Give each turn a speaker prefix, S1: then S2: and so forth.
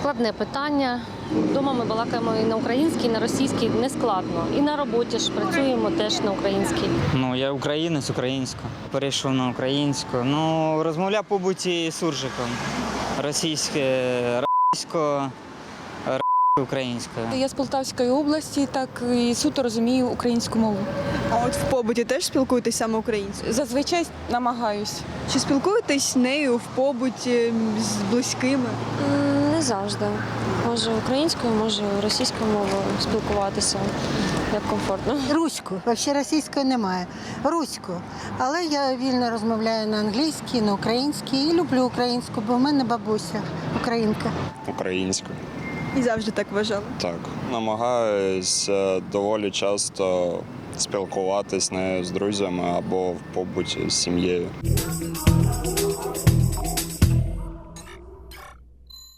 S1: Складне питання. Вдома ми балакаємо і на українській, і на російській, не складно. І на роботі ж працюємо теж на українській.
S2: Ну, я українець, українську. Перейшов на українську. Ну, розмовляв побуті суржиком. Російське, українською.
S3: Я з Полтавської області, так і суто розумію українську мову.
S4: А от в побуті теж спілкуєтесь саме українською?
S3: Зазвичай намагаюсь.
S4: Чи спілкуєтесь нею в побуті з близькими?
S5: Не завжди. Може українською, може російською мовою спілкуватися, як комфортно.
S6: Руську, взагалі російської немає. Руську. Але я вільно розмовляю на англійській, на українській і люблю українську, бо в мене бабуся українка.
S7: Українською.
S4: І завжди так вважали?
S7: Так. Намагаюсь доволі часто спілкуватись нею з друзями або в побуті з сім'єю.